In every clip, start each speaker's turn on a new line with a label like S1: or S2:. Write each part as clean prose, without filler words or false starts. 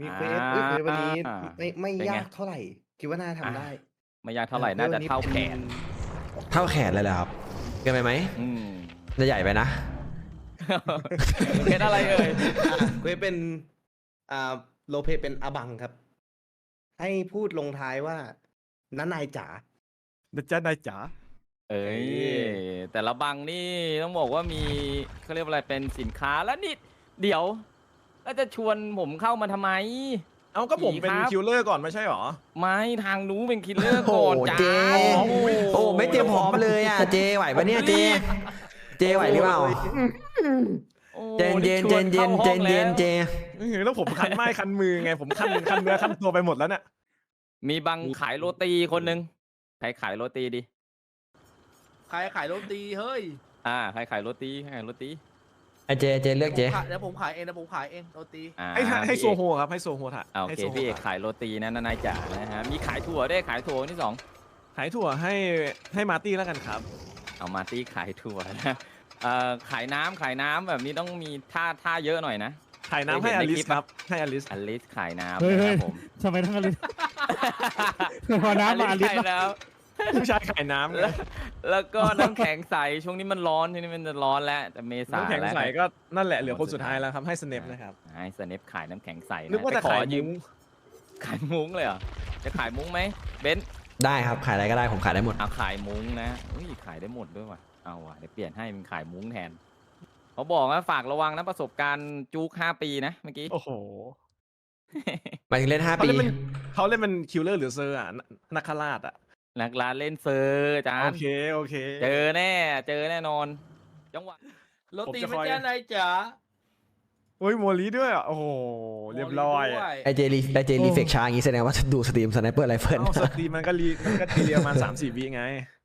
S1: มีเควสวันนี้ไม่ยากเท่าไหร่คิดว่าน่าทำได้
S2: ไม่ยากเท่าไหร่น่าจะเท่าแขน
S3: เท่าแขนเลยเหรอครับเกินไปไหมจะใหญ่ไปนะ
S2: เป็นอะไรเอ่ย
S1: เควสเป็นโลเปเป็นอบังครับให้พูดลงท้ายว่าน้านายจ๋า
S4: นะจ๊ะนายจ๋า
S2: เอ้ยแต่ละบังนี่ต้องบอกว่ามีเขาเรียกอะไรเป็นสินค้าแล้วนี่เดี๋ยวแล้วจะชวนผมเข้ามาทำไม
S4: เอาก็ผมเป็นคิลเลอร์ก่อนไม่ใช่หรอ
S2: ไม่ทางนู้เป็นคิลเลอร์ก่อนจ้า
S3: โอ้ไม่เตรียมพร้อมเลยอ่ะเจไหวปะเนี่ยเจไหวหรือเปล่าเจนเจ
S4: แล้วผมคันไม้คันมือไงผมคันเนื้อคันตัวไปหมดแล้วเนี่ย
S2: มีบังขายโรตีคนหนึ่งใครขายโรตีดิ
S5: ใครขายโรตีเฮ้ย
S2: ใครขายโรตี
S3: ไอเจเลือกเจ
S5: เดี๋ยวผมขายเองโรตี
S4: ให้โซโฮครับให้โซโฮถ่ะ
S2: โอเคพี่เอกขายโรตีนะนายจ๋านะฮะมีขายถั่วด้วยขายถั่วที่2
S4: ขายถั่วให้มาร์ตี้แล้วกันครับ
S2: เอามาร์ตี้ขายถั่วนะขายน้ำแบบนี้ต้องมีท่าเยอะหน่อยนะ
S4: ขายน้ำให้อลิสครับให้อลิส
S2: ขายน้ำนะครับผม
S6: ทำไมต้องอลิสพอน้ำมาอลิส
S2: แล้ว
S4: ผู้ชายขายน้ำ
S2: แล้วก็น้ำแข็งใสช่วงนี้มันร้อนทีนี้มันจะร้อนแล้วแต่เมษา
S4: น้ำแข็งใสก็นั่นแหละเหลือคนสุดท้ายแล้วครับให้สเนปนะครับ
S2: ให้สเนปขายน้ำแข็งใส
S4: นึกว่าจะขายยืม
S2: ขายมุ้งเลยเหรอจะขายมุ้งไหมเบนซ์
S3: ได้ครับขายอะไรก็ได้ผมขายได้หมด
S2: ขายมุ้งนะขายได้หมดด้วยว่ะเอาว่ะเดี๋ยวเปลี่ยนให้มันขายมุ้งแทนเขาบอกว่าฝากระวังนะประสบการณ์จุก5 ปีนะเมื่อกี้
S4: โอ้โห
S3: หมายถึงเล่น5 ปี
S4: เขาเล่นเป็นคิลเลอร์หรือเซอร์นักราช
S2: นักลาเล่นเซอร์จ้า
S4: โอเค
S2: เจอแน่นอนจังหวะ
S5: โรตีเป็นแค่ไหนจ๋า
S4: โอ้ยโมลีด้วยโอ้โหเรียบร้อย
S3: ไอเจรีเฟกช้าอย่างนี้แสดงว่าดูสตรีมสไนเปอร์ไรเฟิล
S4: สตรีมมันก็เรียมา3-4 วิไง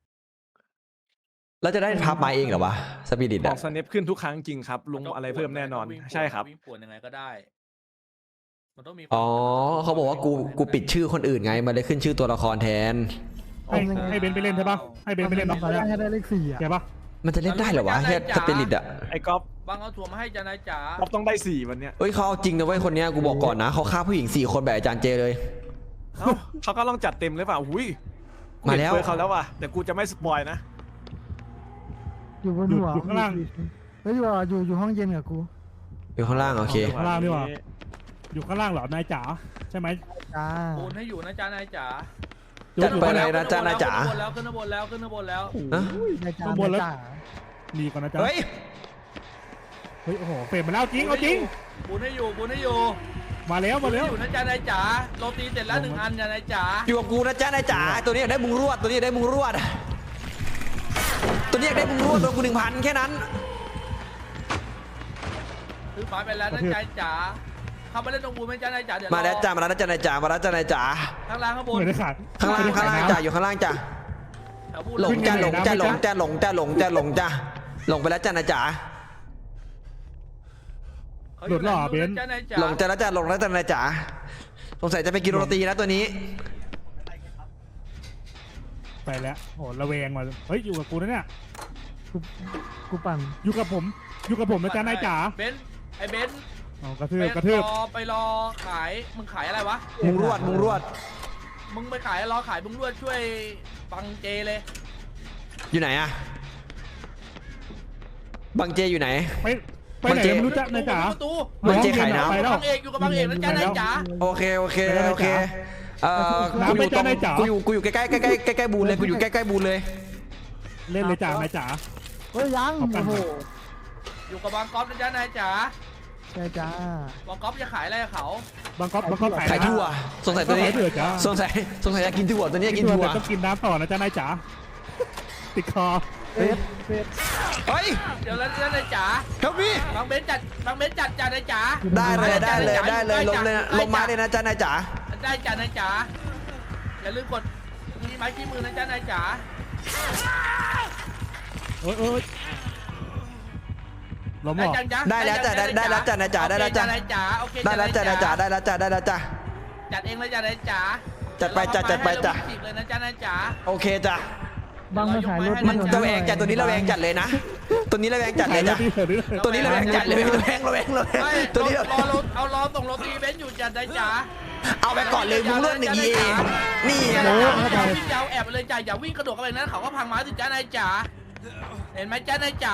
S3: แล้วจะได้พับมาเองเหรอวะสปิริต
S4: บอกสเนปขึ้นทุกครั้งจริงครับลงอะไรเพิ่มแน่นอนใช่ครับ
S5: วิ่งป่วนยังไงก็ได้มันต้องมี
S3: เขาบอกว่ากูปิดชื่อคนอื่นไงมันเลยขึ้นชื่อตัวละครแทน
S6: ให้เบนไปเล่นใช่ปะให้เบนไปเล่นบ้างให้ได้เลข4ใช่ปะ
S3: มันจะเล่นได้เหรอวะแค่สปิริตอะ
S4: ไอ้ก๊อฟ
S5: บังเอาถั่วมาให้จ้านายจ๋า
S4: ก๊อฟต้องได้4วันเนี้ย
S3: เฮ้ยเขาเอาจริงนะเว้ยคนเนี้ยกูบอกก่อนนะเขาฆ่าผู้หญิง4 คนแบบอาจารย์เจเลย
S4: เขาก็ต้องจัดเต็มเลยเปล่าหุ้ย
S3: มาแล้ว
S4: เขาแล้วว่ะแต่กูจะไม่สปอยนะ
S6: อยู่บนหัวข้างล่างเฮ้ยอยู่ห้องเย็นกับกู
S3: อยู่ข้างล่างโอเค
S6: ข้างล่างดีกว่าอยู่ข้างล่างเหรอนายจ๋าใช่ไหม
S5: จ๋าปูนให้อยู่นะจ๊านายจ๋า
S3: จัดไปเลยนะจ๊านายจ๋า
S5: ขึ้นบนแล้ว
S6: ข้างบนแล้วมีก่อนนะจ๊ะเฮ้ยโอ้โหเปลี่ยนมาแล้วจริงเอาจริง
S5: ปูนให้อยู่
S6: มาแล้ว
S5: อยู่นะจ๊านายจ๋าโรตีเสร็จแล้ว1 อันจ๊านายจ๋า
S3: อยู่กับกูนะจ๊านายจ๋าตัวนี้อยากได้มุงรวดตัวนี้อยากได้มุงรวดตัวกู1,000แค่นั้น
S5: ซื้อฝาไปแล้วนะจ๊านายจ๋าเข้ามาเล่นตรงบูนไหมจ๊านายจ๋าเดี๋ยว
S3: มาแล้วจ้ามาแล้วจ๊านายจ๋า
S5: ข้างล่างข้างบน
S3: ข้างล่างจ้าอยู่ข้างล่างจ้าหลงจ้าลงไปแล้วจ้านายจ๋า
S6: หลุดหล่อเบน
S3: หลงจ้าแล้วจ้าจ้านายจ๋าสงสัยจะไปกินโรตีนะตัวนี้
S6: ไปแล้วโหระแวงมาเฮ้ยอยู่กับกูนะเนี่ยกูปั่นอยู่กับผมนะจ๊านายจ๋า
S5: เบนไอเบน
S6: กระทืบ
S5: ไปรอขายมึงขายอะไรวะ
S3: มุงรวด
S5: มึงไปขายรอขายมุงรวดช่วยบังเจเลย
S3: อยู่ไหนอะบังเจอยู่ไหน
S6: ไปไหนไม่รู้จักนายจ๋า
S3: บังเจขายน้ำ
S5: บังเอกอยู่กับบังเอกนะจ๊านายจ๋า
S3: โอเคกูอยู่ใกล้บูนเลยกูอยู่ใกล้บูนเลย
S6: เล่นเลยจ๋านายจ๋า
S7: เฮ้ยยังโอ้โห
S5: อยู่กับบางก๊อฟนะจ๊านายจ๋า
S7: ใช่จ้า
S5: บางก๊อฟจะขายอะไรเขา
S6: บางก๊อฟ
S3: ขายถั่วสงสัยตัวนี้สงสัยจะกินถั่วตัวนี้กินถั่ว
S6: ต้องกินน้ำต่อนะจ๊านายจ๋าติดคอ
S7: เ
S3: ฮ้ย
S5: เดี๋ยวแล้วนายจ๋า
S3: ครับพี่
S5: บางเบนจัดจ้านายจ๋า
S3: ได้เลยลงมาเลยนะจ๊านายจ๋า
S5: ได้จ้านายจ๋าอย่าลืมกดมีไม้ที่มือนะจ๊านายจ๋า
S6: โอ้ยล้มหรอ
S3: ได้แล้วจ้านายจ๋าได้แล้วจ้านายจ๋า
S5: โอเค
S3: ได้แล้วจ้านายจ๋า
S5: จัดเองเลยจ้านายจ๋า
S3: จัดไปจ้ะ
S5: เลยนะจ๊านายจ๋า
S3: โอเคจ้ะ
S7: บางมาขายรถ
S3: มันระแวงจัดตัวนี้ระแวงจัดเลยนะ ตัวนี้ระแวงจัดเลยจ้ะ ตัวนี้ระแวงจัดเลยระแวง
S5: ไม่
S3: ตัวนี้
S5: รอส่งโรตีเบนซ์อยู่จันนายจ๋า
S3: เอาไปก่อนเลยมุ้งลวด1 EA นี่
S5: อย่า
S3: นะ
S5: วิ่งยาวแอบไปเลยจ้าอย่าวิ่งกระโดดเข้าไปนั้นเขาก็พังไม้สิจ้านายจ๋าเห็นไหมจ้านายจ๋าย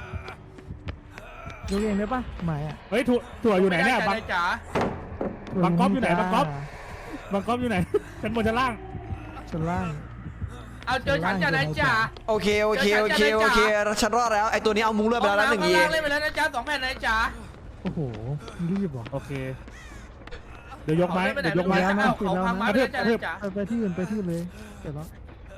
S7: กเองได้ปะหมายอ่ะ
S6: เฮ้ยถั่วอยู่ไหนเนี่ย
S5: ม่ด้
S6: บัง
S5: จ้านายจ๋า
S6: บังก๊อฟอยู่ไหนบังก๊อฟ บังก๊อฟอยู่ไหนชั้นบนชั้นล่าง
S7: ชั้นล่าง
S5: เอาเจอฉันจ้านายจ๋า
S3: โอเคฉันรอดแล้วไอตัวนี้เอามุ้งลวดไปแล้วนะ1 EA
S5: เล่นไปแล้วนะจ๊ะ2 แผ่นนายจ๋า
S7: โอ้โหรีบว่ะ
S6: โอเค เดี๋ยวยกไม้
S5: เอาไปไหน
S6: เดี๋ยวยกไม้
S7: แล้วนะ
S5: เขาพังไม้ไปแล้วจ้านายจ๋า
S7: ไปที่อื่นเลยเสร็จแล้ว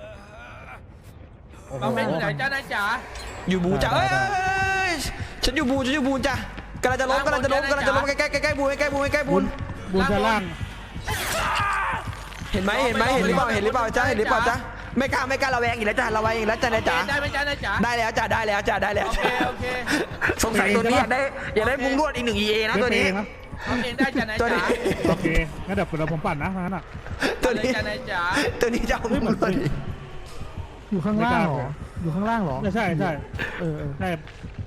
S6: โอ้โห
S5: บางเบนอยู่ไหนจ้านายจ๋า
S3: อยู่บูจ้ะเอ้ยฉันอยู่บูจ้ะกำลังจะล้มใกล้บูน
S6: บนชั้นล่าง
S3: เห็นไหมเห็นหรือเปล่าจ้ะไม่กล้าระแวงอีกแล้วจ้ะระแวงอีกแล้วจ้ะนายจ๋า
S5: ได้ไหมจ้านายจ๋า
S3: ได้แล้ว
S5: โอเค
S3: สงสัยตัวนี้อยากได้มุ้งลวดอีก1 EA นะตัวนี้
S6: เล่เองนะ
S5: เอาเองได้จ้านาย
S3: ตัว
S5: จ๋า
S3: นี้
S6: โอเค งั้นเดี๋ยวผมปั่นนะงั้นอ่ะ
S3: ตัวนี้
S5: จ้านายจ๋า
S3: ตัวนี้จะเอามุ้งลวดอีก
S7: อยู่ข้างล่างเหรออยู่ข้างล่างเหรอ
S6: ใช่
S7: ใช่
S6: ใช่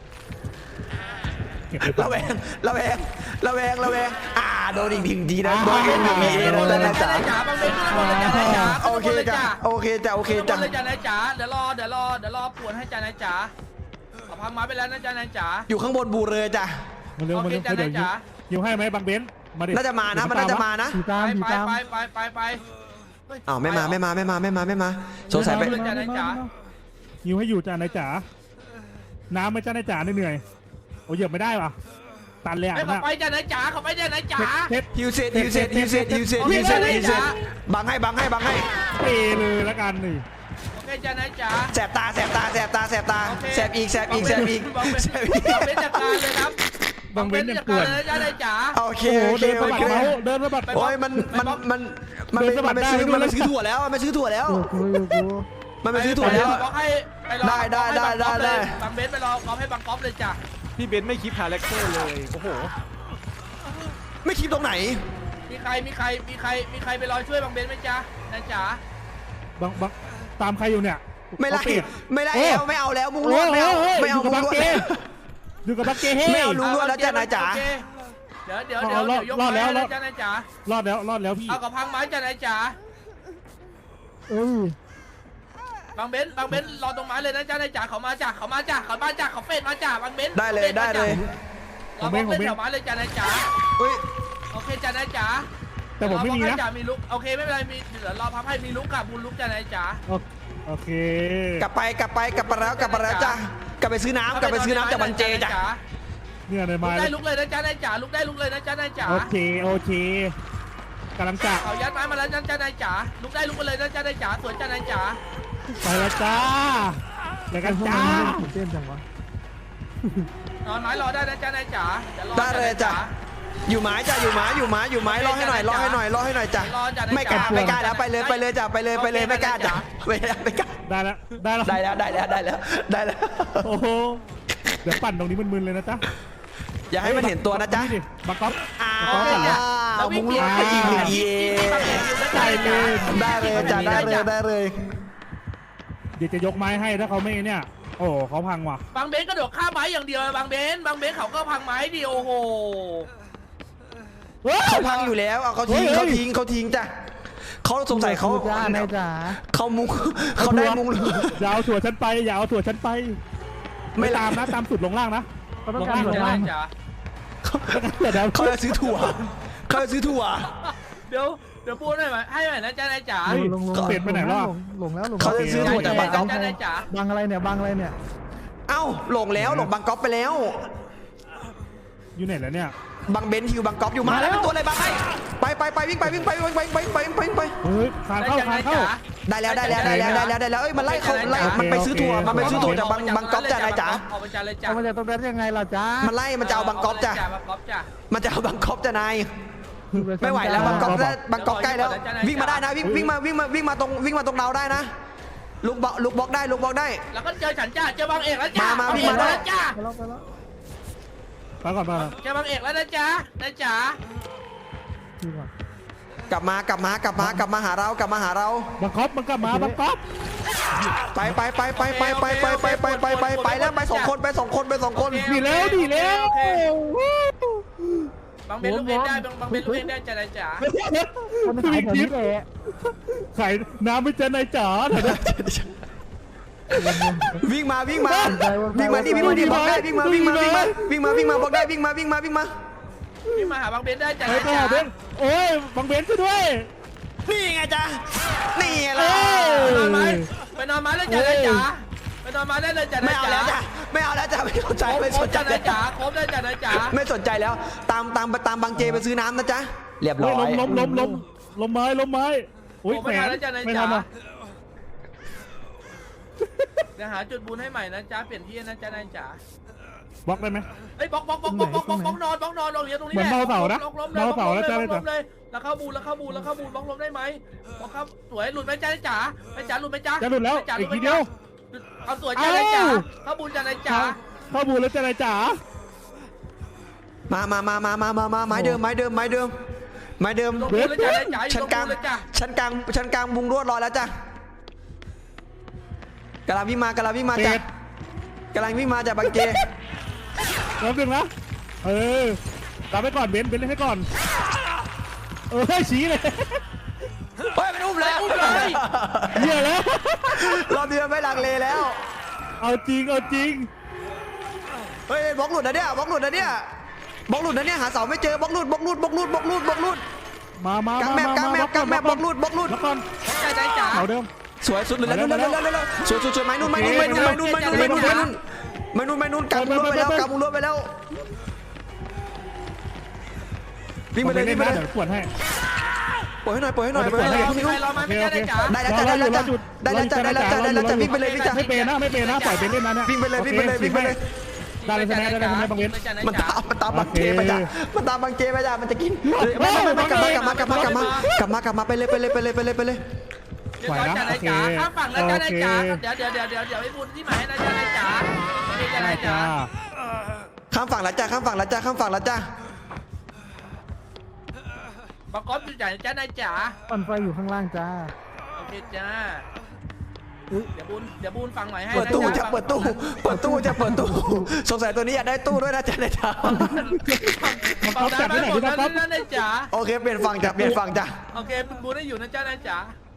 S6: เก็บไประ
S3: แวงโดนอีก1 ทีนะโดนอีก1 EA นะ
S5: จ้า
S3: จ้ะ
S5: นายจ๋าบางเบนขึ้นบนเลยจ้านายจ๋า
S3: โอเคจ้ะ
S5: ขึ้นบนเลยจ้านายจ๋าเดี๋ยวรอปวดให้จ้านายจ๋าเอาพังไม้ไปแล้วนะจ้านายจ๋า
S3: อยู่ข้างบนบูเลยจ้ะ
S6: มาเร็ว
S5: โอเคจ้ะ
S6: เดี๋ยว
S5: จ๋า
S6: ยิวให้ไหมบางเบนมาดิ
S3: น่าจะมานะมันน่าจะมานะ
S7: ผีตามผีตาม
S5: ไป
S3: อ้าวไม่มาสงสัยไป
S6: ยิวให้อยู่จ้านายจ๋า น้ำไม่จ้านายจ๋าเหนื่อยโอ้ยเหยียบไม่ได้ว่ะ ตันเลยอ่ะ
S5: ให้เขา
S6: นะ
S5: ไปจ้านายจ๋าเขาไปจ้านายจ๋า
S6: เท็ด
S3: ฮิวเซตบังให้
S6: เปเลยละกันนี่
S5: โอเคจ้านายจ๋า
S3: แสบตาแสบอีก
S5: บางเบนจัดการเลยครับ
S6: บางเบนยังเกลื่อน
S5: จ้านายจ๋า
S3: โอเค
S6: โอ้โหเดินสะบัดเมาส์เดินสะบัด
S3: โอ้ยมันไปซื้อถั่วแล้วมันไปซื้อถั่วแล้ว
S5: บางเบนไปรอก๊อฟให้บางก๊อฟเลยจ้ะ
S4: พี่เบนซ์ไม่คิดหาแรคเตอร์เลยโอ้โห
S3: ไม่คิดตรงไหน
S5: มีใครไปรอช่วยบางเบนไหมจ๊ะนายจ๋า
S6: บางตามใครอยู่เนี่ย
S3: ไม่ไล่แล้วไม่เอาแล้วมุ้งลวดไม่เอามุ้งลวด
S6: อยู่กับบักเก้
S3: ไม่เอาลุงลวดแล้วจ้ะนายจ๋า
S5: เดี๋ยวยกไม้แล้วจ้านายจ๋าร
S6: อดแล้วพี่
S5: เอากับพังไม้จ้านายจ๋า
S7: เอ้ย
S5: บางเบนรอตรงไม้เลยนะจ้านายจ๋าเขามาจ้ะเขาเฟดมาจ้ะบางเบน
S3: ได้เลย
S5: เราบล็อกเล่นแถวไม้เลยจ้านายจ๋า
S3: อุ้ย
S5: โอเคจ้านายจ๋า
S6: แต่ผมไม่มีนะ
S5: มีลุกโอเคไม่เป็นไรมีเดี๋ยวรอพับให้มีลุกกับบุญลุกจ้านายจ๋า
S6: โอเค
S3: กลับไปแล้วจ้ะกลับไปซื้อน้ำจากบังเจจ้ะ
S6: เนี่ยใน
S5: ลุ
S6: ไม้
S5: กได้ลุกเลยนะจ้านายจ๋าลุกได้ลุกเลยนะจ้านายจ๋า
S6: โอเคกำลังจะ
S5: เขายัดไม้มาแล้วจ้านายจ๋าลุกได้ลุกไปเลยนะจ้านายจ๋าสวนจ้านายจ๋า
S6: ไปแล้วจ้าเดี๋ยวกันจ้า
S7: เต้นจังวะ
S5: นอนไม้รอได้นะจ้านายจ๋า
S3: ได้เลยจ้ะอยู่ไม้จ้ะอยู่ไม้รอให้หน่อยจ้ะไม่กล้าแล้วไปเลยจ้ะไปเลยไม่กล้าจ้ะไม่กล้า
S6: ได้แล้ว
S3: ได้แล้ว
S6: โอ้โหเดี๋ยวปั่นตรงนี้มึนๆเลยนะจ๊ะ
S3: อย่าให้มันเห็นตัวนะจ๊ะ
S6: บังก๊อฟ
S3: มุ้งลวดอีก1 EA
S6: ได้เลย
S3: ได้เลยจ้ะได้เลย
S6: เดี๋ยวจะยกไม้ให้ถ้าเขาไม่เนี่ย โอ้เขาพังว่ะ
S5: บางเบนกระโดดข้ามไม้อย่างเดียวบางเบนเขาก็พังไม้ดิโอ้โห
S3: เขาพังอยู่แล้วเขาทิ้งจ้ะเขาสงสัยเขา
S7: จ้านายจ๋า
S3: เขามุ้งเขาได้มุ้ง
S6: อย่าเอาถั่วฉันไปไม่ตามนะตามสุดลงล่างนะ
S7: เขาต้อง
S6: ลง
S7: การ
S6: ล่าง
S7: หัว
S5: จ้า
S7: ล่าง
S5: นายจ๋า
S3: เขาจะซื้อถั่ว
S5: เดี๋ยวพูดหน่อยไหมให้หน่อยนะจ้านายจ๋า
S7: ลง
S6: เปลี่ยนไปไหนแล้ว
S7: หลงแล้ว
S3: เขาจะซื้อถั่วจากบางก๊อฟ
S5: จ้านายจ๋า
S7: บางอะไรเนี่ย
S3: เอ้าหลงบางก๊อฟไปแล้ว
S6: อยู่ไหนแล้วเนี่ย
S3: บางเบนฮิวบางก๊อฟอยู่มาแล้วเป็นตัวอะไรบางไอ้ไปวิ่งไป
S6: เฮ้ยคานเข้า
S3: ได้แล้วเอ้ยมันไล่เขาไล่มันไปซื้อถั่วจากบางก๊อฟจ้ะนายจ๋า
S5: เอาไปจ้าเลยจ้า
S7: เอามาจากตรงนั้นยังไงล่ะจ้า
S3: มันไล่มันจะเอาบางก๊อฟจ้ะ
S5: บางก๊อฟจ้ะ
S3: มันจะเอาบางก๊อฟจ้ะนายไม่ไหวแล้วบางก๊อฟใกล้แล้ววิ่งมาได้นะวิ่งมาตรงเราได้นะลูกบล็อกได้
S5: แล้วก็เจอฉันจ้าเจอบางเอกแล้วจ้า
S3: มาวิ่งมาได้
S5: จ้า
S7: ไปแล้ว
S6: ไปก่อน
S5: เจอบางเอกแล้วนะจ้านายจ๋า
S7: พี่ก่อน
S3: กลับมากลับมาหาเรา
S6: บังคับมันกลับมาบังคับ
S3: ไปแล้วไปสองคน
S6: ดีแล้ว
S5: บังเบนลูกเองได้บังเบนลูกเองได้จ้านายจ๋า
S7: คนขายแถวนี้แหละ
S6: ขายน้ำไม่เจอนายจ๋าเถอะนะ
S3: วิ่งมานี่บอกได้วิ่งมาบอกได้วิ่งมา
S5: พี่มาหาบังเบนได้จ้า
S6: ไป
S5: นาย
S6: ไป
S5: จ๋า
S6: หาเบนโอ้ยบังเบนช่วยด้วย
S3: นี่ไงจ๊ะนี่แหละ
S5: ไปนอนไม้เลยจ้านายจ๋าไปนอนไม้ได้เลยจ้า
S3: ไม่
S5: นาย
S3: เอา
S5: จ๋า
S3: แล้วจ้ะไม่สนใจ
S5: ครบจ้านายจ๋าครบได้จ้านายจ๋า
S3: ไม่สนใจแล้วตามบางเจไปซื้อน้ำนะจ๊ะเรียบร้อย
S6: ล้มไม้อุ้ย
S5: ผม
S6: แข
S5: ไม่ทั
S6: น
S5: นแล้วจ้านาย
S6: ไม่
S5: จ๋า
S6: ทันอ่ะ
S5: เดี๋ยวหาจุดบุญให้ใหม่นะจ๊ะเปลี่ยนที่นะจ้านายจ๋า
S6: บล็อกได้ไหม
S5: เฮ้ยบล็อกนอนลงเหลียวตรงนี้
S6: เหมือนเมาเสานะ
S5: ล้ม
S6: เมาเสาแล้วจ้า
S5: ล้
S6: นายจ๋า
S5: มเลยแล้วเข้าบูนบล็อกลมได้ไหมบล็อกครับสวยหลุดไหมจ้านายจ๋าไม่จ๋าหลุดไหมจ๊ะ
S6: จะหลุดแล้วอีกทีเดียว
S5: เอาสวยจ้านายจ๋าเข้าบูนจ้านายจ๋า
S6: เข้าบูแล้วจ้านายจ๋า
S3: มาไม้เดิม
S5: ลงบูนเลยจ้านายจ๋าอยู่
S3: ชั้น
S5: ลง
S3: กลาง
S5: บูนเลยจ้ะ
S3: ชั้นกลางมุงรวดรอแล้วจ้ะกำลังวิ่งมาจ้ะบางเจ
S6: รับหนึ่งนะตามไปก่อนเบนเล่นให้ก่อนชี้เลย
S3: เฮ้ยมันอุ้มแล้ว
S6: เหี้ยแล้ว
S3: รอบเดียวไม่ลังเลแล้ว
S6: เอาจริง
S3: เฮ้ยบล็อกหลุดนะเนี่ยหาเสาไม่เจอบล็อกหลุด
S6: มาก
S3: างแมปบล็อกหลุด
S6: แล้วก่อน
S5: จ้านายจ๋า
S6: เอาเดิม
S3: สวยสุดเลยแล้วสวยไม้นุ่นกางมุงรวดไปแล้ววิ่งไปเลย
S6: เดี๋ยวปวดให้
S3: ปล่อยให้หน่อย
S5: รอมาไม่ได้จ้า
S3: ได้แล้วจ้ะวิ่งไปเลยจ้ะ
S6: ไม่เป็นนะปล่อยเป็นเล่นนะเนี่ย
S3: วิ่งไปเลย
S6: ได้เลยใช่ไหมบางเบน
S3: มันตามบางเจไปจ้ะมันจะกินไม่กลับมาไปเลย
S5: เดี๋ยวจ้านายจ๋าข้ามฝั่งแล้วจ้านายจ๋าเดี๋ยวไอ้บุญที่หมายนะจ้านายจ๋าจ้านายจ๋า
S3: ข้ามฝั่งแล้วจ้ะ
S5: บังคับอยู่จ้านายจ๋า
S7: ปั่นไฟอยู่ข้างล่างจ้า
S5: โอเคจ้าเดี๋ยวบูนฟังหน่อยให้
S3: เปิดตู้สงสัยตัวนี้อยากได้ตู้ด้วยนะจ๊ะนายจ๋า
S5: ฟังได้ไหมหมดแล้วจ้านายจ๋า
S3: โอเคเปลี่ยนฝั่งจ้ะ
S5: โอเคบูนได้อยู่นะจ้านายจ๋า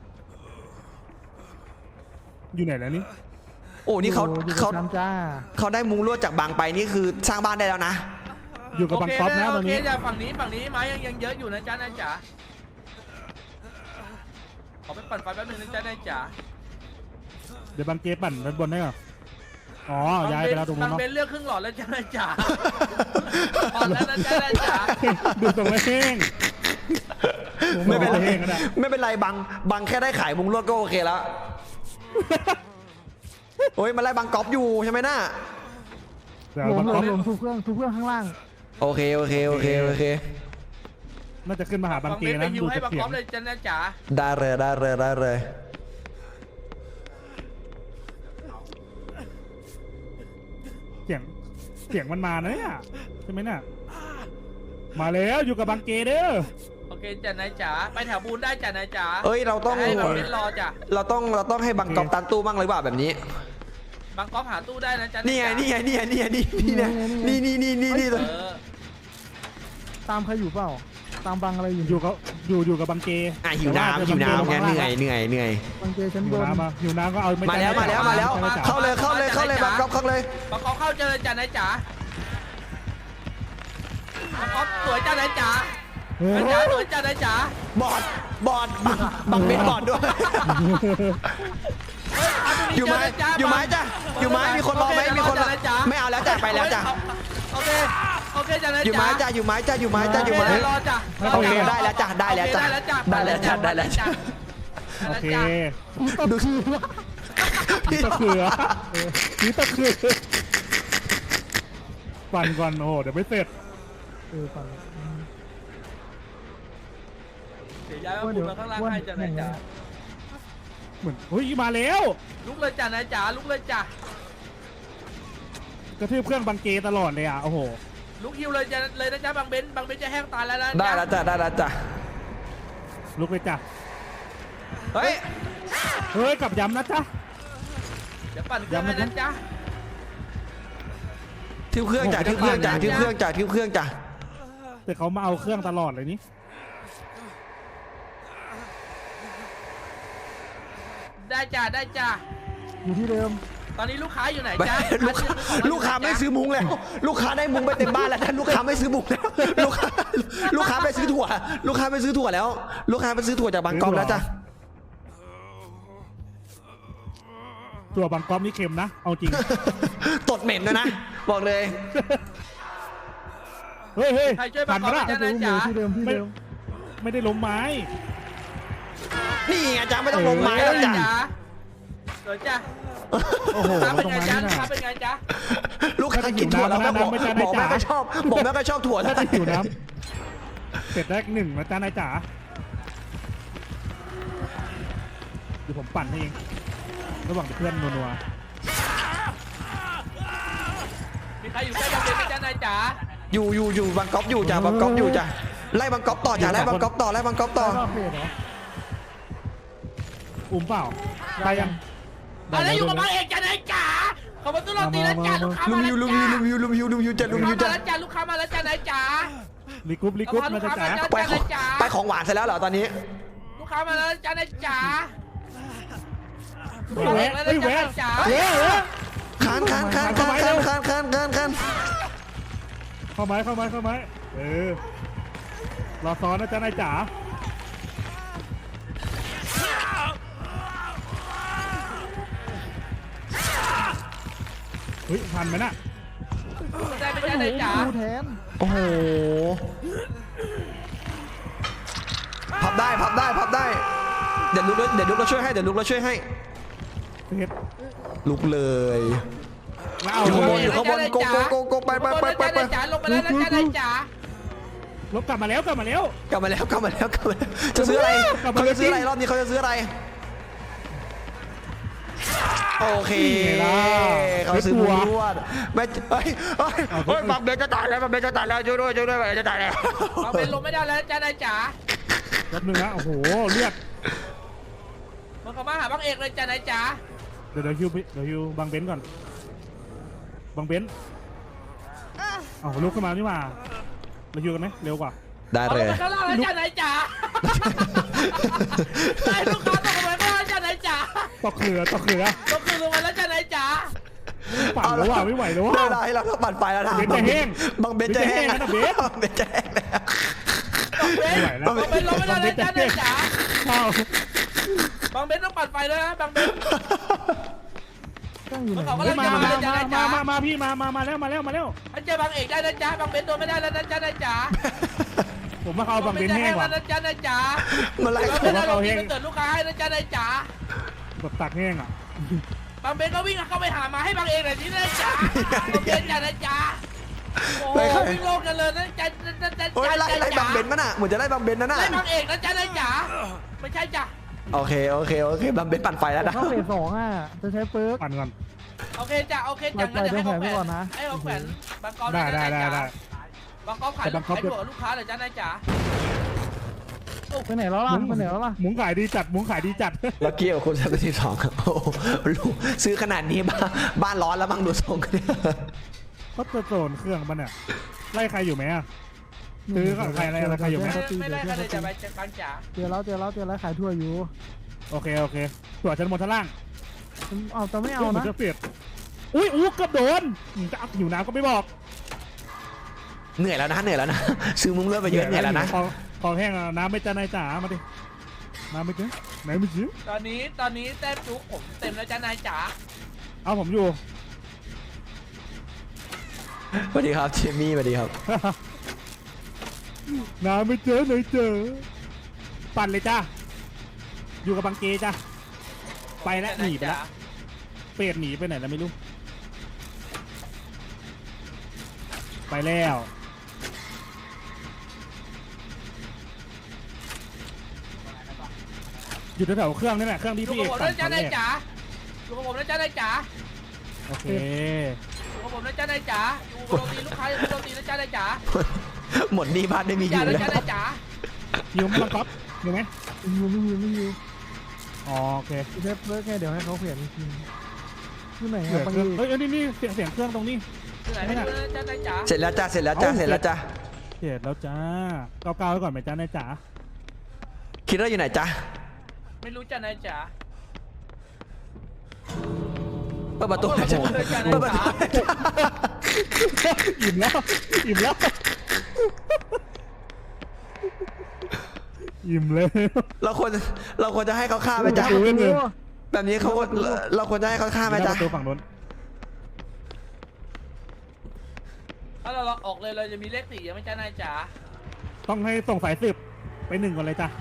S6: อยู่ไหนแล้วนี่
S3: โอ้นี่เขา
S7: อยู่กับน้ำจ้า
S3: ได้มุงลวดจากบางไปนี่คือสร้างบ้านได้แล้วนะ
S6: อยู่กับบังก๊อฟนะตอนนี้
S5: โอเคจ้าฝั่งนี้ไม้ยังเยอะอยู่นะจ้านายจ๋าขอไปปั่นไฟแป๊บนึงนะจ้านายจ๋า
S6: เดี๋ยวบังเกปั่นด้านบนได้เหรออ๋อย้ายไปแล้วตรงนู้น
S5: บัง
S6: เนาะ
S5: เบนเลือกครึ่งหลอดแล้วจ้านายจ๋าอ่อนแล้วนะจ้านายจ๋า
S6: ดูตรงแห้ง
S3: ไม่เป็นไร
S6: แห้งก็ได้
S3: ไม่เป็นไรบางแค่ได้ขายมุงลวดก็โอเคแล้วโอ้ยมันไล่บางก๊อฟอยู่ใช่ไหมน่า
S6: เดี๋ยว
S7: หล
S6: บังก๊อฟ
S7: มทุกเครื่องข้างล่าง
S3: โอเค
S6: น่าจะขึ้นมาหาบัง
S5: บัง
S6: เก
S5: เบนไป
S6: นะ
S5: ฮิว
S6: ดู
S5: ให้
S6: จาก
S5: บัง
S6: เสี
S5: ก
S6: ย
S5: อง ฟเลยจ้านายจ๋า
S3: ได้เลย
S6: เสียงมันมานะเนี่ยใช่ไหมน่ะมาแล้วอยู่กับบังเกเด้อ
S5: โอเคจ้านายจ๋าไปแถวบูนได้จ้านายจ๋า
S3: เอ้ยเราต้อง
S5: ให้บังเบนรอจ้ะ
S3: เราต้องให้บางก๊อฟตันตู้บ้างเลยว่าแบบนี้
S5: บังกอฟหาตู้ได้นะจ้า
S3: นี่ไง
S7: ตามใครอยู่เปล่า ตามบังอะไรอยู่
S6: อยู่กับบังเก
S3: หิวน้ำไงเหนื่อย
S7: บังเจชั้น
S6: หิ
S7: บ
S6: วน น้ำมาหิวน้ำก็เอาไม่
S3: มาแล้วเข้าเลยบางก๊อฟเข้าเลย
S5: บังกอฟเข้าเจอจ้านายจ๋าบังกอฟสวยจ้านายจ๋าสวยจ้านายจ๋า
S3: บอดบางเป็นบอดด้วยอยู่ไหมจ้ะมีคนรอไหมมีคนรอไม่เอาแล้วจ้ะไปแล้วจ้ะ
S5: โอเคจ้านายจ๋า
S3: อยู่ไหมจ้ะ
S5: รอจ้ะ
S3: โอเคได้แล้วจ้ะ
S6: โอเค
S3: ดู
S6: ตะเขือปั่นก่อนโอ้เดี๋ยวไม่เสร็จ
S7: ปั่น
S5: เดี๋ยวย้ายมาบุญมาข้างล่างให้จ้านายจ๋า
S6: เหมือนเฮ้ยมาแล้ว
S5: ลุกเลยจ้านายจ๋าลุกเลยจ้ะ
S6: กระทืบเครื่องบังเกตลอดเลยอ่ะโอ้โห
S5: ลุกฮิวเลยนะจ๊ะบังเบนจะแห้งตายแล้วนะ
S3: ได้แล้วจ้ะ
S6: ลุกเลยจ้ะ
S3: เฮ้ย
S6: เฮ้ยกลับย้ำนะจ๊ะ
S5: เดี๋ยวปั่นเครื่องให้นะจ๊ะ
S3: ทิวเครื่องจ้ะทิวเครื่องจ้ะทิวเครื่องจ้ะทิวเครื่องจ้ะ
S6: แต่เขามาเอาเครื่องตลอดเลยนี่
S5: ได้จ้ะได้จ้ะ
S7: อยู่ที่เดิม
S5: ตอนนี้ลูกค้าอยู่ไหน
S3: ไม่
S5: จ๊ะ
S3: ลูกค้าไม่ซื้อมุ้งแล้ว ลูกค้าได้มุ้งไปเต็มบ้านแล้วท่านลูกค้าไม่ซื้อมุ้งแล้วลูกค้าไปซื้อถั่ว ลูกค้าไปซื้อถั่วแล้ว ลูกค้าไปซื้อถั่วจากบางกอกแล้วจ้ะ
S6: ตัวบางก๊อฟนี่เค็มนะเอาจริง
S3: ตดเหม็นด้วยนะบอกเลย
S6: เฮ้ยเฮ้ย
S5: ใครช่วย
S6: ผ่า
S5: บั
S6: น
S5: ง
S6: มา
S5: คับ
S6: ละ
S5: จ๊ะ
S7: ที่
S5: นะ
S7: เดิม
S5: จ๊ะ
S7: ที่เดิมที่เดิม
S6: ไม่ได้ล้มไม้
S3: นี่อาจารย์ไม่ต้องลงไม้แล้วจ้ะ
S5: เดี๋ยวจ้ะ
S6: โอ้โห
S5: ลูกค้าเป็น
S6: ตรง
S5: ไง
S6: นั้น
S5: จ๊ะ
S6: น่ะ
S5: ลูกค้าเป็นไงจ๊ะ
S3: ลูกค้ากินถั่วแล้วก็บอก
S6: ไม่ใช่
S3: บอก
S6: ไม่
S3: แม่
S6: ใช่
S3: ก็ชอบบอกแม่ก็ชอบถั่วแล้ว
S6: ถ้าหิวน้ำเสร็จแรกหนึ่งนะจ๊ะนายจ๋าเดี๋ยวผมปั่นให้เองระหว่างเพื่อนนัว
S5: มีใครอยู่ใกล้บังเบนไหมจ๊ะนายจ๋า
S3: อยู่บางกอกอยู่จ้ะบางกอกอยู่จ้ะไล่บางกอกต่อจ้ะไล่บางกอกต่อไล่บางกอกต่อ
S7: รอบเพจเหรอ
S6: อุ้มเปล่าได้ยัง
S5: อะไรอยู่กับบังเอกจ๊ะนายจ๋าขอบคุณตู้โรตีแล้วจ้ะลูกค้า
S3: ลุ
S5: มาม แล้ว
S3: ยูลุม
S5: จ้ะ
S3: ยูลุมยูลุมยูลุมยูจ้ะลุ
S5: ลู
S3: ม
S5: ก
S3: ยู
S5: ค้ามา
S3: จ้ะ
S5: แล้วจ้ะลูกค้ามาแล้วจ้ะนายจ๋า
S6: รีกรุ๊ปรีกรุ๊ปนะจ๊ะจ๋า
S3: ไปของไปของหวานเสร็จแล้วเหรอตอนนี้
S5: ลูกค้ามาแล้วจ้ะนายจ๋า
S6: เฮ้ยแวะเฮ้ยแวะ
S5: จ๋า
S6: เฮ้ยเฮ้ย
S3: คาน
S6: เข้าไม้เข้าไม้เออรอซ้อนนะจ๊ะนายจ๋าเฮ้ยทันไหมน่ะ
S5: ได้ไหมจ๊ะนายจ๋า
S7: ดูแทน
S3: โอ้โหพับได้เดี๋ยวลุกเราช่วยให้เดี๋ยวลุกเราช่วยให้
S6: เสร็จ
S3: ลุกเลย
S6: แล้วเอา
S3: อยู่ข้างบนโกไป
S5: ลงมาแล้วจ้ะนายจ๋า
S6: ลบกลับมาแล้ว
S3: กลับมาแล้วจะซื้ออะไรเขาจะซื้ออะไรรอบนี้เขาจะซื้ออะไรโอเคเขาซื้อบุญรวดไม่บังเบนจะตายแล้วช่วยด้วยบังเบนจะตายแล้ว
S5: บังเบนลงไม่ได้แล้วจ้ะนายจ๋า
S6: แป๊บนึงนะโอ้โหเลือด
S5: มันเข้ามาหาบังเอกเลยจ้ะนายจ๋า
S6: เดี๋ยวฮิวบังเบนก่อนบังเบนเอาลุกขึ้นมานี่มาเราฮิวกันไหมเร็วกว่า
S3: ได้เลย
S5: ข้างล่างแล้วจ้ะนายจ๋าได้ลูกค้าตกลงมาข้างล่างจ้ะนายจ๋า
S6: ตกเรือ
S5: ตกคือลงมาแล้วจ้ะนายจ๋า
S6: ปั่นแล้วว่ะไม่ไหวแล้ว
S3: ได้
S6: ว่ะ
S3: เวลาให้เราต้องปั่นไฟแล้วนะ
S6: เบนจะแห้ง
S3: บังเบนจะแห้งแล้ว
S6: เบน
S3: บังเบนจะแห้งแล้ว
S5: บังเบน
S6: ไม่ไหวแล้ว
S5: บังเบนลงไม่ได้แล้วจ้ะนายจ๋า
S6: เข้า
S5: บังเบนต้องปัดไฟแล้วนะบังเบน
S7: ตั้งอยู่ไหน
S5: เขาก็
S6: เฮ้
S5: เล่
S6: ย
S5: น
S6: มา
S5: จ้ะนายจ๋า
S6: มาพี่มาแล้ว
S5: อันเจอบังเอกได้นะจ๊ะบังเบนโดนไม่ได้แล้วนะจ๊ะนายจ๋า
S6: ผมมาเข้าบังเบนแห้งว่ะ
S5: นะจ๊ะนายจ๋า
S3: มาไล่
S5: บัง
S3: เขา
S5: เบนเราที่มันเกิดลูกค้าให้นะจ๊ะนายจ๋า
S6: แบบตักแห้งอ่ะ
S5: บังเบนก็วิ่งเข้าไปหามาให้บังเอกหน่อยที่นายจ๋าบังเบนจ้ะนายจ๋าโอ้โหวิ่งโลกกันเลยนะจ๊ะ
S3: โอ้ยไล่บังเบนมั้น่ะเหมือนจะไล่บังเบนนั่นน่ะ
S5: ไล่บังเอกนะจ๊ะนายจ๋าไม่ใช่จ้ะ
S3: โอเคบังเบนปั่นไฟแล้วนะ
S7: เข้าเพจ2อ่ะจะใช้เปิร์ก
S6: ปั่นก่อน
S5: โอเคจ้ะโอเคจ้ะงั้นเดี๋ยวให้ของแผนให้ของแผนบางกอก
S6: ได้
S5: บางกอกขายลูกขายถั่วลูกค้าเลยจ้ะนายจ๋า
S7: ไปไหนแล้วล่ะไปไหนแล้วล่ะ
S6: หมุงขายดีจัด
S3: แล้วเกี่ยวคุณจะไปที่สองครับโอ้โหลูกซื้อขนาดนี้บ้านร้อนแล้วบ้างดูทรงกันเนี่ย
S6: เขาจะโซนเครื่องมันเนี่ยไล่ใครอยู่ไหมอ่ะซื้อใครอะไรใครอยู่ไหม
S5: ไม่ไล่กันเลยจ้ะบางจ๋า
S7: เจอแล้วขายทั่วอยู่
S6: โอเคตัวชั้นบนชั้นล่าง
S7: เอาแต่ไม่เอานะ
S6: จะเสียดอุ้ยเกือบโดนจะเอาหิวน้ำก็ไม่บอก
S3: เหนื่อยแล้วนะซื้อมุ้งเลือดไปเยอะเหนื่อยแล้วนะ
S6: ของแห้งน้ำไม่จ้านายจ๋ามาดิน้ำไม่จ้าไหนไม่ซื้อ
S5: ตอนนี้แต้มจุกผมเต็มแล้วจ้ะนายจ๋า
S6: เอาผมอยู่
S3: สวัสดีครับเจมี่สวัสดีครับ
S6: น้ำไม่เจอไหนเจอปั่นเลยจ้าอยู่กับบังเกจ้าไปแล้วหนีไปแล้วเป็ดหนีไปไหนแล้วไม่รู้ไปแล้วอยู่แถวๆเครื่องนี่แหละเครื่องที่
S5: อยู่
S6: พี่
S5: กั
S6: เอบ ก
S5: ผม
S6: ปั่
S5: นะ
S6: น
S5: จ้ะ
S6: ตอนแร
S5: นาย
S6: ก
S5: จ๋าอยู่กับผมนะจ้ะนายจ๋า
S6: โอเค
S5: อยู่กับผมนะจ้ะนายจ๋าอยู่กับโรตีลูกค้าอยู่กับโรตีนะจ้ะนายจ๋า
S3: หมดหนี้บ้านไม่มีอ
S5: จ๋า
S3: ยู่
S5: นะ
S3: แล้ว
S5: จ้ะนายจ๋า
S6: ยิวมันก๊อปอยู่ไหม
S7: ไม่อยู่
S6: อ๋อโอเค
S7: เลิกไงเดี๋ยวให้เขาเขียนอีกทีที่ไหน
S6: เสีย
S7: อะ
S6: ง
S7: บาง
S6: เครื่อง
S7: ที
S6: เอ้ยนี่เสียงเครื่องตรงนี้
S5: ที่ไหนไม่รู้นะจ๊ะนายจ๋า
S3: เสร็จแล้วจ้าเสร็จแล้วจ้าเสร็จแล้วจ้า
S6: เสร็จแล้วจ้าเก้าไว้ก่อนไหมจ้านายจ๋า
S3: คิดว่าอยู่ไหนจ้า
S5: ไม่รู้จ้ะนายจ๋า
S3: เปิดประตูหน่อยจ้าเปิดประตูหน่อยจ้า
S6: อิ่มแล้วอิ่มแล้วอิ่มเลย
S3: เราควรจะให้เขาฆ่าไหมจ้า
S6: ดูเว้นเลย
S3: แบบนี้เราควรจะให้เขาฆ่าไหม
S6: ป
S3: จ้า
S6: ระตูฝั่งนู้น
S5: ถ้าเราออกเลยเราจะมีเลข4ยังไหม่จ้ะนายจ๋า
S6: ต้องให้ส่งสายสืบไป1ก่อนเลยจ้ะ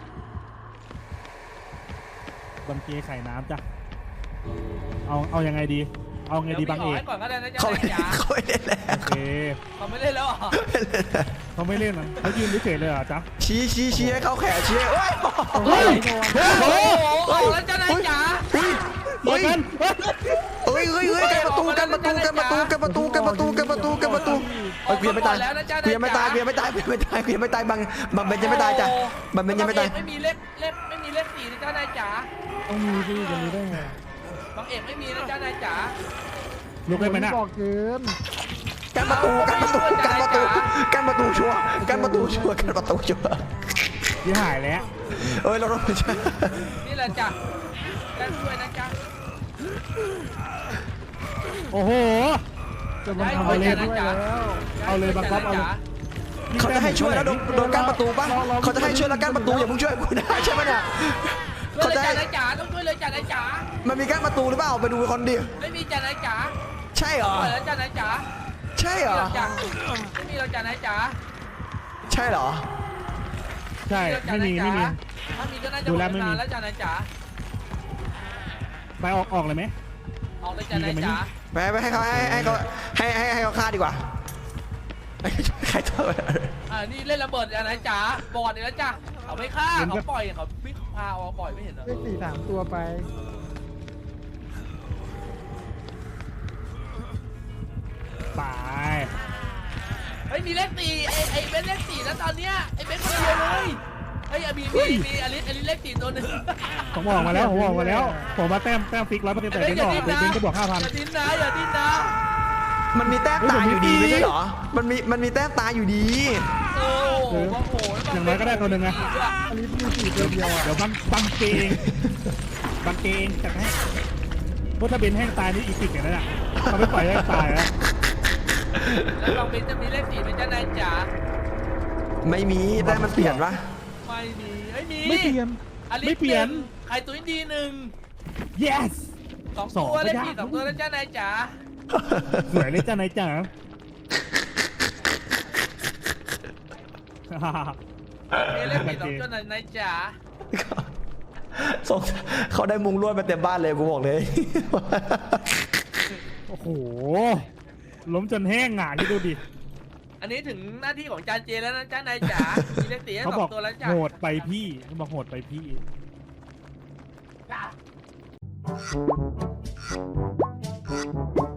S6: บังเกไข่น้ำจ้ะเอายังไงดี เอาไงดีบังเอก
S5: ให้ก่อนก็ได้นะจ๊ะ
S3: เขา
S5: นายจ๋า
S3: ไม่ได้แล้ว
S6: โอเค
S5: เขาไม่เล่นแล้วเหรอ
S6: เขาไม่เล่นนะเขายืนเฉยๆเลยเหรอจ๊ะ
S3: ชี้ให้เขาแขนชี้โอ้ย
S6: เฮ้ย
S5: โอ้โหออกแล้วจ้ะนายจ๋า
S6: เฮ้ยกัน
S3: เฮ้ยกันประตูกันประตูกันประตูกันประตูกันประตูกันประตูกันประตูเฮ้ยเกวียนไม่ตายเกวียนไม่ตายเกวียนไม่ตายเกวียนไม่ตายเกวียนไม่ตายบังเบนยังไม่ตายจ้ะบังเบนยังไม่ตาย
S5: ไม่มีเลข4นะจ๊ะนายจ๋า
S7: ต้องมีสิจะมีได้ไง
S5: บางเอกไม่มีนะจ๊ะนายจ๋า
S6: ลุกได้ไหมน่ะ
S7: บอกเกิน
S3: กันประตูกันประตูกันประตูกันประตูชัวร์กันประตูชัวร์กันประตูชัวร์
S6: ยี่หายแล้ว
S3: เอ้ยเราต้อง
S5: นี่แหละจ้ะได้ช่วยนะจ๊ะ
S6: โอ้โห
S7: จะมาทำอะไรด้วยแล้ว
S6: เอาเลยบังคับเอาเลย
S3: เขาจะให้ช่วยแล้วโดนกั้นประตูปะเขาจะให้ช่วยแล้วกั้นประตูอย่าเพิ่งช่วยกูนะใช่ไหมเนี่ย
S5: ช่วย
S3: เขา
S5: เลย
S3: จะ
S5: จ้ะ
S3: ให้
S5: นายจ๋าต้องช่วยเลยจ้ะนายจ๋า
S3: มันมีกั้นประตูหรือเปล่าไปดูคนดิ
S5: ไม่มีจ้ะนายจ๋า
S3: ใช่เหรอ
S5: ปล่อยแล้วจ้ะนายจ๋า
S3: ใช่เหรอ
S5: ไม่มีเราจ้ะนายจ๋า
S3: ใช่เหรอ
S6: ใช่ไม่มี
S5: ถ้ามีก็น่าจะหมดนานแล้วจ้ะนายจ๋า
S6: ไปออกเลยไหม
S5: ออกเลยจ้ะนายจ๋า
S3: ไปให้เขาให้เขาฆ่าดีกว่าใครตัว
S5: นี่เล่นระเบิดจ้ะนายจ๋าบอดอีกแล้วจ้ะเขาไม่ฆ่าเขาปล่อยเขาพิกพาเอาปล่อยไม่เห็นเหรอ
S7: เลข4 3 ตัวไป
S6: ไป
S5: เฮ้ยมีเลข4ไอ้เบนเลข4แล้วตอนเนี้ยไอ้เบนคนเดียวเลยเฮ้ยมีอลิสเลข4ตัวหนึ่ง
S6: ผมออกมาแล้วผมมาแต้มฟิก100%แต่เป็นก็บวก
S5: อย่า
S6: 5,000
S5: ดิ้นนะอย่าดิ้นนะ
S3: มันมีแต้มตาอยู่ดีไม่ใช่เหรอมันมีแต้มตาอยู่ดี
S5: โอ้โห
S6: อย่างน้อยก็ได้ตัวหนึ่งไง
S7: อันนี้มี4ตัวเดียวอ่ะ
S6: เดี๋ยวบังเกงจัดให้เพราะถ้าเป็นแห้งตายนี่อีกติดอย่างนั้นอ่ะเขาไม่ปล่อยให้ตายแล้ว
S5: แล้วลองเป็นจะมีเลข4เป็นจ้านายจ๋า
S3: ไม่มีแต้มมันเปลี่ยนปะ
S5: ไม่มีไม่มี
S6: ไม่เปลี่ยน
S5: อลิส
S6: ไม่เปลี่ยน
S5: ไข่ตุ้ยดีหนึ่ง
S6: yes
S5: 2 ตัวเลข4 2 ตัวแล้วจ้านายจ๋า
S6: สวยเลยจ้านายจ๋า
S5: เลข4 2 ตัวนายจ๋า
S3: ส่งเขาได้มุงลวดมาเต็มบ้านเลยกูบอกเลย
S6: โอ้โหล้มจนแห้งอ่ะนี่ดูดิ
S5: อันนี้ถึงหน้าที่ของจานเจแล้วนะจ้านายจ๋ามีเลข4ให้
S6: เขาบอก
S5: 2 ตัวแล้วจ้า
S6: โหดไปพี่เขาบอกโหดไปพี่
S5: จ้า